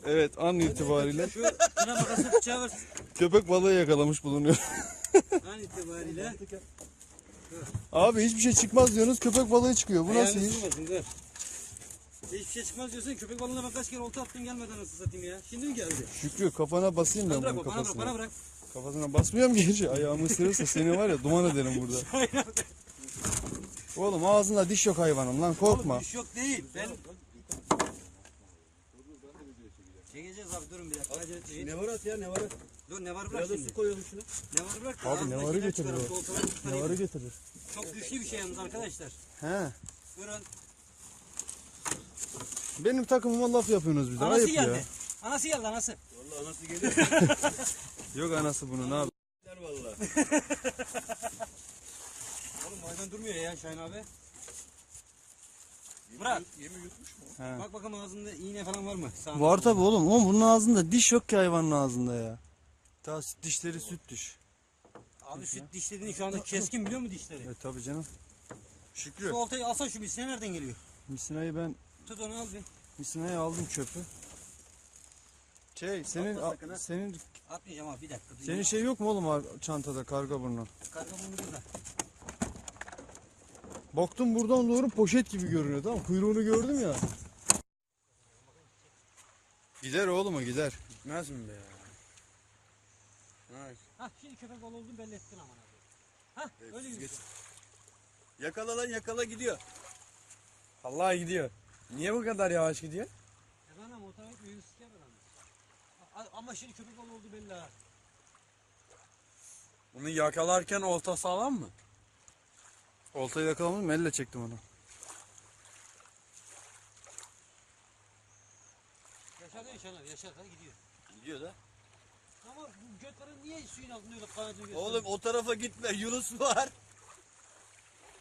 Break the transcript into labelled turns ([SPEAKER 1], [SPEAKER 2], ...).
[SPEAKER 1] Evet, an itibariyle
[SPEAKER 2] Şuna makası bıçağı ver.
[SPEAKER 1] köpek balığı yakalamış bulunuyor.
[SPEAKER 2] An itibariyle.
[SPEAKER 1] Abi hiçbir şey çıkmaz diyorsunuz, köpek balığı çıkıyor. Bu nasıl
[SPEAKER 2] Ayağını
[SPEAKER 1] iş?
[SPEAKER 2] sürmesin, dur. Hiçbir şey çıkmaz diyorsun. Köpek balığına ben kaç kere olta attım gelmeden nasıl satayım ya. Şimdi mi geldi?
[SPEAKER 1] Şükrü kafana basayım ben
[SPEAKER 2] Bana
[SPEAKER 1] bunun
[SPEAKER 2] bırak, bana bırak,
[SPEAKER 1] kafasına.
[SPEAKER 2] bana bırak.
[SPEAKER 1] Kafasına basmıyorum ki hiç. Ayağımı ısırırsa seni var ya duman ederim burada. Oğlum ağzında diş yok hayvanın lan, korkma.
[SPEAKER 2] Oğlum, iş yok değil. Ben... Çekeceğiz abi, durun bir dakika. Acele etmeyin.
[SPEAKER 3] Ne var at ya, ne var at?
[SPEAKER 2] Dur, ne var bırak
[SPEAKER 3] Biraz da
[SPEAKER 2] şimdi.
[SPEAKER 3] su koyalım şuna.
[SPEAKER 2] Ne var bırak.
[SPEAKER 1] Abi ne varı getirir
[SPEAKER 2] çıkaralım,
[SPEAKER 1] o?
[SPEAKER 2] oltaları
[SPEAKER 1] Ne
[SPEAKER 2] çıkarayım.
[SPEAKER 1] varı getirir?
[SPEAKER 2] Çok güçlü bir şey yalnız arkadaşlar.
[SPEAKER 1] He.
[SPEAKER 2] Buyurun.
[SPEAKER 1] Benim takımıma laf yapıyorsunuz bir de.
[SPEAKER 2] Anası
[SPEAKER 1] Ayıp ya.
[SPEAKER 2] geldi. Anası geldi, anası.
[SPEAKER 3] Vallahi anası geliyor.
[SPEAKER 1] Yok anası bunun abi.
[SPEAKER 3] Vallahi.
[SPEAKER 2] Oğlum hayvan durmuyor ya Şahin abi. Bırak.
[SPEAKER 3] Yemi yutmuş mu?
[SPEAKER 1] He.
[SPEAKER 2] Bak bakalım ağzında iğne falan var mı? Sağında.
[SPEAKER 1] Var tabi oğlum. Oğlum bunun ağzında diş yok ki hayvanın ağzında ya. Ta dişleri süt diş.
[SPEAKER 2] Abi süt dişlerini şu anda keskin biliyor musun dişleri?
[SPEAKER 1] Evet tabi canım. Şükrü.
[SPEAKER 2] Şu oltayı alsan şu misine nereden geliyor?
[SPEAKER 1] Misinayı ben
[SPEAKER 2] Tut onu al bir.
[SPEAKER 1] misinayı aldım çöpü. Senin
[SPEAKER 3] Atma sakın ha.
[SPEAKER 1] senin
[SPEAKER 2] Atmayacağım abi, bir dakika.
[SPEAKER 1] senin şey yok mu oğlum çantada karga burnu?
[SPEAKER 2] Karga bunu burada.
[SPEAKER 1] Baktım buradan doğru poşet gibi görünüyor, tamam, kuyruğunu gördüm ya. Gider oğlum o gider.
[SPEAKER 3] Gitmez mi be ya? Nice.
[SPEAKER 2] Hah şimdi köpek balığı olduğunu belli ettin aman abi. Hah öyle
[SPEAKER 3] Geç.
[SPEAKER 2] gidiyor.
[SPEAKER 3] Yakala lan, yakala, gidiyor. Allah gidiyor. Niye bu kadar yavaş gidiyor?
[SPEAKER 2] Efendim otomatik mühendis siker adam. Ama şimdi köpek balığı olduğu belli ha.
[SPEAKER 3] Bunu yakalarken olta sağlam mı?
[SPEAKER 1] Oltayı yakalamadım, elle çektim onu.
[SPEAKER 2] Yaşar değil Şahin abi, yaşar hadi gidiyor.
[SPEAKER 3] Gidiyor da.
[SPEAKER 2] Ama bu götlerin niye suyun altında öyle kanadı gösteriyor?
[SPEAKER 3] Oğlum o tarafa gitme, Yunus var.